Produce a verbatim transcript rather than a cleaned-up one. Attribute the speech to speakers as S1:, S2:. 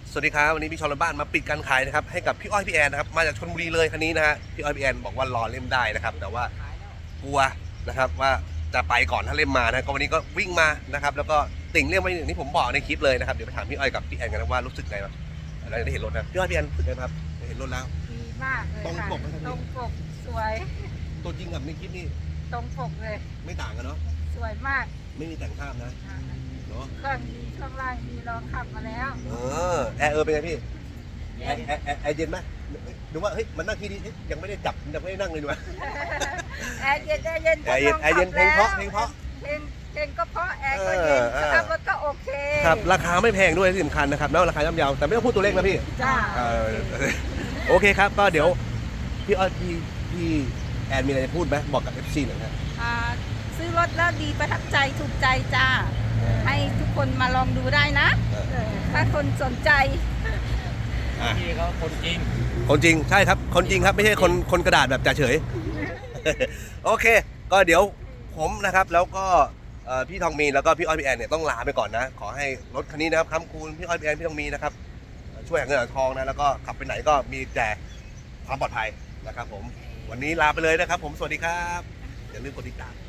S1: สวัสดีครับวันนี้พี่ชอนบ้านมาปิดการขายนะครับให้กับพี่อ้อยพี่แอนนะครับมาจากชลบุรีเลยคันนี้นะฮะพี่อ้อยพี่แอนบอกว่ารอเล่มได้นะครับแต่ว่ากลัวนะครับว่าจะไปก่อนถ้าเล่มมานะก็วันนี้ก็วิ่งมานะครับแล้วก็ติ่งเล่มไว้อย่างที่ผมบอกในคลิปเลยนะครับเดี๋ยวไปถามพี่อ้อยกับพี่แอนกันนะว่ารู้สึกไงบ้างเราได้เห็นรถนะพี่อ้อยพี่แอนรู้สึกไงครับได้เห็นรถแล้ว
S2: ดีมากเลย
S1: ตรง
S2: ค่ะ
S1: ปกไหมครับ
S2: ตรงปกสวย
S1: ตัวจริงกับในคลิปนี่
S2: ตรงปกเลย
S1: ไม่ต่างกันเนาะ
S2: สวยมาก
S1: ไม่มีแต่งภาพนะ
S2: อ่า
S1: เนาะ
S2: เครื่องดีข้างล่างดีลองขับมาแล้ว
S1: เออแอร์เออเป็นไงพี่แอร์แอร์แอร์แอร์เย็นไหมดูว่าเฮ้ยมันนั่งที่นี่ยังไม่ได้จับยังไม่ได้นั่งเลยดูว่า
S2: แอร์เย็นแอร์เย็น
S1: แอร์เย็นแอร์เย็นเพลงเพราะเพลงเพราะ
S2: เพลงเพลงก็เพราะแอร์ก็เย็น
S1: เออ
S2: สตาร์ทรถก็โอเค
S1: ครับราคาไม่แพงด้วยที่สำคัญนะครับแล้วราคาย่อมเยาแต่ไม่ต้องพูดตัวเลขนะพี่
S2: จ้า
S1: เออโอเคครับก็เดี๋ยวพี่อ้อยพี่พี่แอนมีอะไรจะพูดไหมบอกกับ เอฟ ซี หน่อยครับ
S3: อ่าซื้อรถแล้วดีประทับใจถูกใจจ้า ให้ทุกคนมาลองดูได้นะ
S2: เออ
S3: ถ้าคนสนใจ
S4: พี่เขาคนจริง
S1: คนจริงใช่ครับคนจริงครับไม่ใช่คนคนกระดาษแบบจ่าเฉย โอเค ก็เดี๋ยวผมนะครับแล้วก็เอ่อพี่ทองมีนแล้วก็พี่อ้อยพี่แอนเนี่ยต้องลาไปก่อนนะขอให้รถคันนี้นะครับค้ำคูณพี่อ้อยพี่แอนพี่ทองมีนะครับช่วยหาเงินหาทองนะแล้วก็ขับไปไหนก็มีแต่ความปลอดภัยนะครับผมวันนี้ลาไปเลยนะครับผมสวัสดีครับอย่าลืมกดติดตาม